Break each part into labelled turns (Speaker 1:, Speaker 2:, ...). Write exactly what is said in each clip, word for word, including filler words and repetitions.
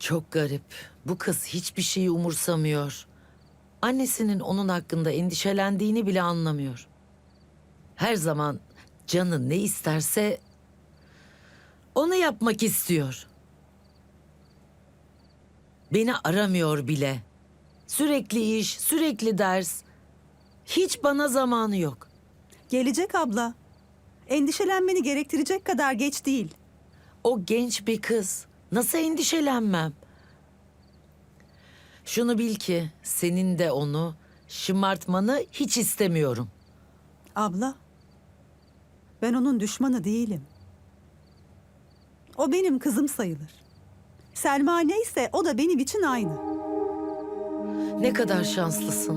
Speaker 1: Çok garip. Bu kız hiçbir şeyi umursamıyor. Annesinin onun hakkında endişelendiğini bile anlamıyor. Her zaman canı ne isterse onu yapmak istiyor. Beni aramıyor bile. Sürekli iş, sürekli ders. Hiç bana zamanı yok.
Speaker 2: Gelecek abla. Endişelenmeni gerektirecek kadar geç değil.
Speaker 1: O genç bir kız. Nasıl endişelenmem? Şunu bil ki senin de onu şımartmanı hiç istemiyorum.
Speaker 2: Abla, ben onun düşmanı değilim. O benim kızım sayılır. Selma neyse o da benim için aynı.
Speaker 1: Ne kadar şanslısın.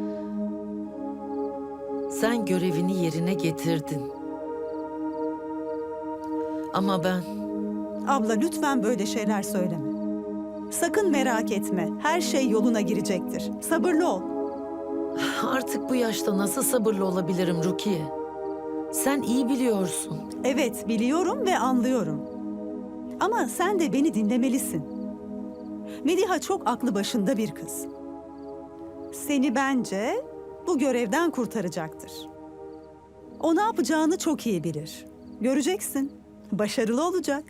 Speaker 1: Sen görevini yerine getirdin. Ama ben
Speaker 2: Abla lütfen böyle şeyler söyleme. Sakın merak etme. Her şey yoluna girecektir. Sabırlı ol.
Speaker 1: artık bu yaşta nasıl sabırlı olabilirim Rukiye? Sen iyi biliyorsun.
Speaker 2: Evet, biliyorum ve anlıyorum. Ama sen de beni dinlemelisin. Mediha çok aklı başında bir kız. Seni bence bu görevden kurtaracaktır. O ne yapacağını çok iyi bilir. Göreceksin. Başarılı olacak.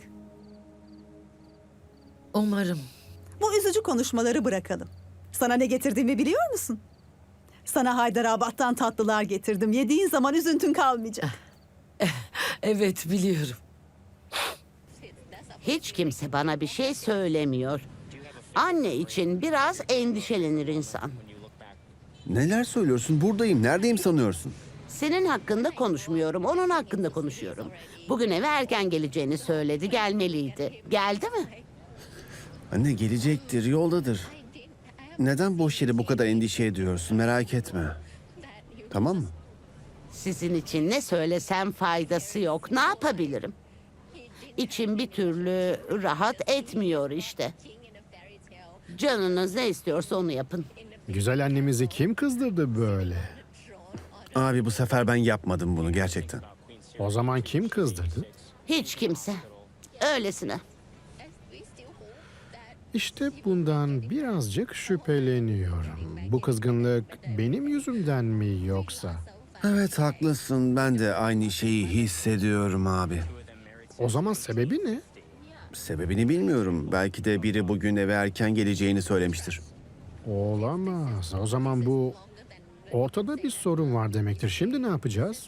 Speaker 1: Umarım.
Speaker 2: Bu üzücü konuşmaları bırakalım. Sana ne getirdiğimi biliyor musun? Sana Haydarabad'dan tatlılar getirdim. Yediğin zaman üzüntün kalmayacak.
Speaker 1: Evet biliyorum.
Speaker 3: Hiç kimse bana bir şey söylemiyor. Anne için biraz endişelenir insan.
Speaker 4: Neler söylüyorsun? Buradayım. Neredeyim sanıyorsun?
Speaker 3: Senin hakkında konuşmuyorum, onun hakkında konuşuyorum. Bugün eve erken geleceğini söyledi, gelmeliydi. Geldi mi?
Speaker 4: Anne gelecektir, yoldadır. Neden boş yere bu kadar endişe ediyorsun? Merak etme. Tamam mı?
Speaker 3: Sizin için ne söylesem faydası yok. Ne yapabilirim? İçim bir türlü rahat etmiyor işte. Canınız ne istiyorsa onu yapın.
Speaker 5: Güzel annemizi kim kızdırdı böyle?
Speaker 4: Abi bu sefer ben yapmadım bunu gerçekten.
Speaker 5: O zaman kim kızdırdı?
Speaker 3: Hiç kimse. Öylesine.
Speaker 5: İşte bundan birazcık şüpheleniyorum. Bu kızgınlık benim yüzümden mi yoksa?
Speaker 4: Evet haklısın. Ben de aynı şeyi hissediyorum abi.
Speaker 5: O zaman sebebi ne?
Speaker 4: Sebebini bilmiyorum. Belki de biri bugün eve erken geleceğini söylemiştir.
Speaker 5: Olamaz. O zaman bu ortada bir sorun var demektir. Şimdi ne yapacağız?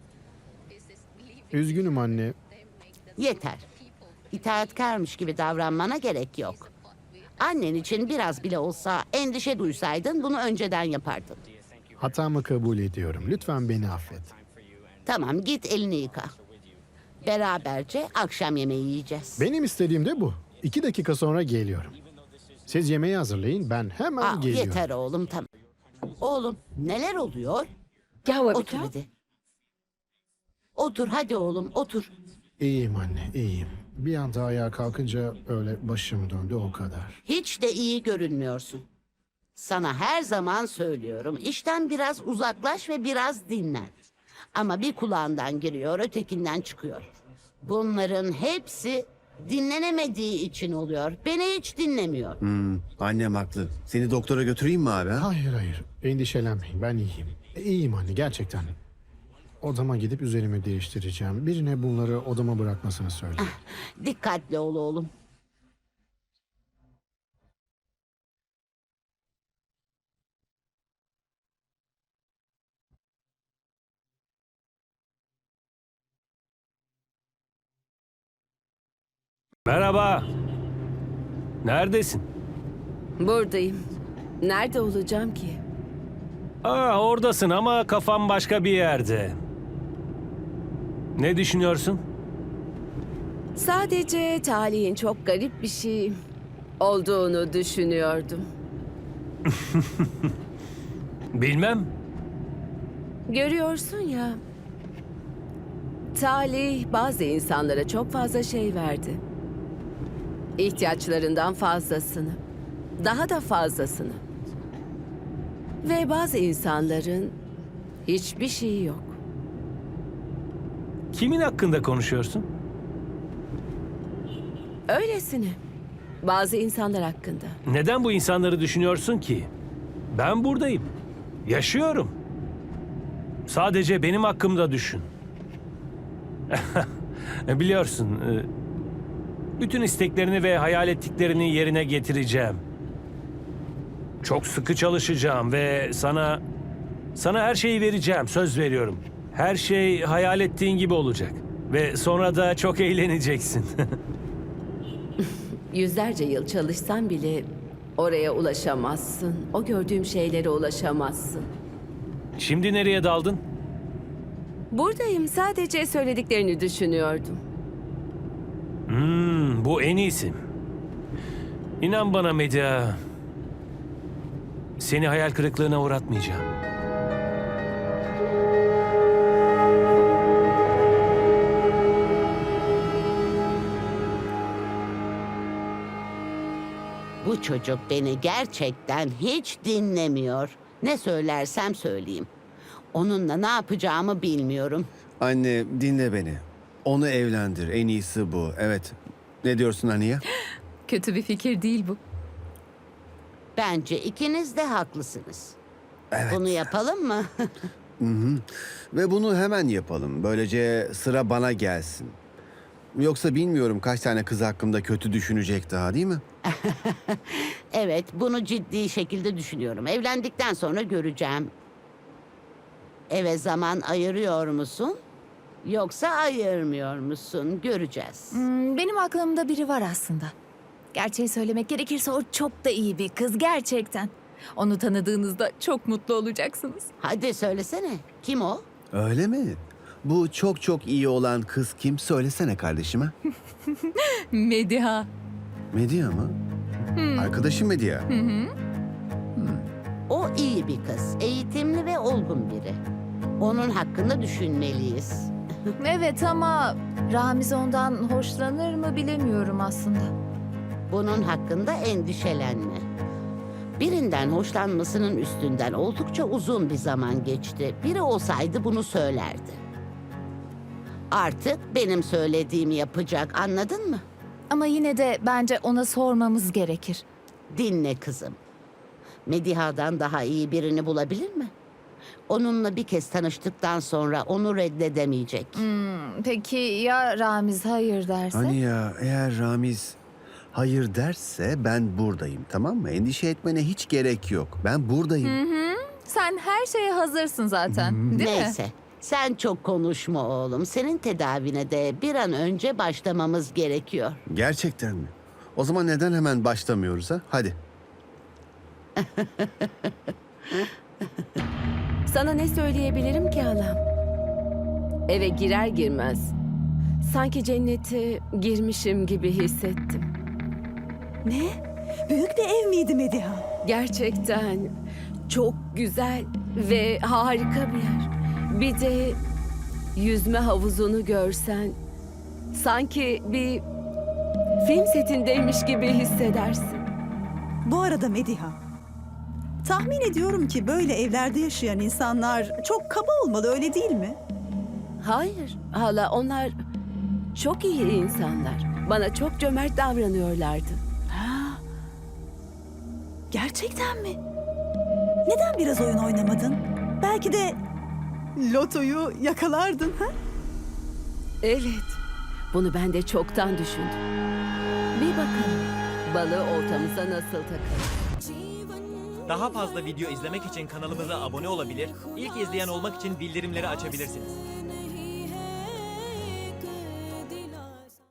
Speaker 5: Üzgünüm anne.
Speaker 3: Yeter. İtaatkarmış gibi davranmana gerek yok. Annen için biraz bile olsa endişe duysaydın bunu önceden yapardın.
Speaker 5: Hatamı kabul ediyorum. Lütfen beni affet.
Speaker 3: Tamam git elini yıka. Beraberce akşam yemeği yiyeceğiz.
Speaker 5: Benim istediğim de bu. İki dakika sonra geliyorum. Siz yemeği hazırlayın. Ben hemen
Speaker 3: Aa,
Speaker 5: geliyorum.
Speaker 3: yeter oğlum tamam. Oğlum neler oluyor?
Speaker 1: Gel
Speaker 3: Otur hadi. Otur hadi oğlum otur.
Speaker 5: İyiyim anne, iyiyim. Bir anda ayağa kalkınca öyle başım döndü o kadar.
Speaker 3: Hiç de iyi görünmüyorsun. Sana her zaman söylüyorum. İşten biraz uzaklaş ve biraz dinlen. Ama bir kulağından giriyor, ötekinden çıkıyor. Bunların hepsi dinlenemediği için oluyor. Beni hiç dinlemiyor.
Speaker 4: Hmm, annem haklı. Seni doktora götüreyim mi abi? Ha?
Speaker 5: Hayır hayır, endişelenmeyin ben iyiyim. E, İyiyim anne, gerçekten. Odama gidip üzerimi değiştireceğim. Birine bunları odama bırakmasını söyle.
Speaker 3: Dikkatli ol oğlum.
Speaker 6: Merhaba. Neredesin?
Speaker 7: Buradayım. Nerede olacağım ki?
Speaker 6: Aa, oradasın ama kafam başka bir yerde. Ne düşünüyorsun?
Speaker 7: Sadece talihin çok garip bir şey olduğunu düşünüyordum.
Speaker 6: Bilmem.
Speaker 7: Görüyorsun ya. Talih bazı insanlara çok fazla şey verdi. İhtiyaçlarından fazlasını. Daha da fazlasını. Ve bazı insanların hiçbir şeyi yok.
Speaker 6: Kimin hakkında konuşuyorsun?
Speaker 7: Öylesine. Bazı insanlar hakkında.
Speaker 6: Neden bu insanları düşünüyorsun ki? Ben buradayım. Yaşıyorum. Sadece benim hakkımda düşün. Biliyorsun, e, bütün isteklerini ve hayal ettiklerini yerine getireceğim. Çok sıkı çalışacağım ve sana sana her şeyi vereceğim, söz veriyorum. Her şey hayal ettiğin gibi olacak ve sonra da çok eğleneceksin.
Speaker 7: Yüzlerce yıl çalışsan bile oraya ulaşamazsın. O gördüğüm şeylere ulaşamazsın.
Speaker 6: Şimdi nereye daldın?
Speaker 7: Buradayım, sadece söylediklerini düşünüyordum.
Speaker 6: Hmm, bu en iyisi. İnan bana Medya, seni hayal kırıklığına uğratmayacağım.
Speaker 3: Bu çocuk beni gerçekten hiç dinlemiyor. Ne söylersem söyleyeyim. Onunla ne yapacağımı bilmiyorum.
Speaker 4: Anne dinle beni. Onu evlendir. En iyisi bu. Evet. Ne diyorsun Aniye?
Speaker 8: Kötü bir fikir değil bu.
Speaker 3: Bence ikiniz de haklısınız.
Speaker 4: Evet.
Speaker 3: Bunu yapalım mı?
Speaker 4: Ve bunu hemen yapalım. Böylece sıra bana gelsin. Yoksa bilmiyorum kaç tane kız hakkımda kötü düşünecek daha, değil mi?
Speaker 3: Evet, bunu ciddi şekilde düşünüyorum. Evlendikten sonra göreceğim. Eve zaman ayırıyor musun? Yoksa ayırmıyor musun? Göreceğiz.
Speaker 8: Hmm, benim aklımda biri var aslında. Gerçeği söylemek gerekirse o çok da iyi bir kız gerçekten. Onu tanıdığınızda çok mutlu olacaksınız.
Speaker 3: Hadi söylesene. Kim o?
Speaker 4: Öyle mi? Bu çok çok iyi olan kız kim? Söylesene kardeşime.
Speaker 8: Mediha.
Speaker 4: Medya mı? Arkadaşım Medya.
Speaker 3: O iyi bir kız. Eğitimli ve olgun biri. Onun hakkında düşünmeliyiz.
Speaker 8: Evet ama Ramiz ondan hoşlanır mı bilemiyorum aslında.
Speaker 3: Bunun hakkında endişelenme. Birinden hoşlanmasının üstünden oldukça uzun bir zaman geçti. Biri olsaydı bunu söylerdi. Artık benim söylediğimi yapacak, anladın mı?
Speaker 8: Ama yine de bence ona sormamız gerekir.
Speaker 3: Dinle kızım. Mediha'dan daha iyi birini bulabilir mi? Onunla bir kez tanıştıktan sonra onu reddedemeyecek.
Speaker 8: Hmm, peki ya Ramiz hayır derse?
Speaker 4: Hani ya eğer Ramiz hayır derse ben buradayım, tamam mı? Endişe etmene hiç gerek yok. Ben buradayım.
Speaker 8: Sen her şeye hazırsın zaten, değil mi?
Speaker 3: Neyse. Sen çok konuşma oğlum. Senin tedavine de bir an önce başlamamız gerekiyor.
Speaker 4: Gerçekten mi? O zaman neden hemen başlamıyoruz ha? Hadi.
Speaker 7: Sana ne söyleyebilirim ki halam? Eve girer girmez sanki cennete girmişim gibi hissettim.
Speaker 2: Ne? Büyük bir ev miydi Mediha?
Speaker 7: Gerçekten çok güzel ve harika bir yer. Bir de yüzme havuzunu görsen sanki bir film setindeymiş gibi hissedersin.
Speaker 2: Bu arada Mediha, tahmin ediyorum ki böyle evlerde yaşayan insanlar çok kaba olmalı, öyle değil mi?
Speaker 7: Hayır hala, onlar çok iyi insanlar. Bana çok cömert davranıyorlardı.
Speaker 2: Gerçekten mi? Neden biraz oyun oynamadın? Belki de lotoyu yakalardın ha?
Speaker 7: Evet, bunu ben de çoktan düşündüm. Bir bakalım balığı oltamıza nasıl takalım.
Speaker 9: Daha fazla video izlemek için kanalımıza abone olabilir, ilk izleyen olmak için bildirimleri açabilirsiniz.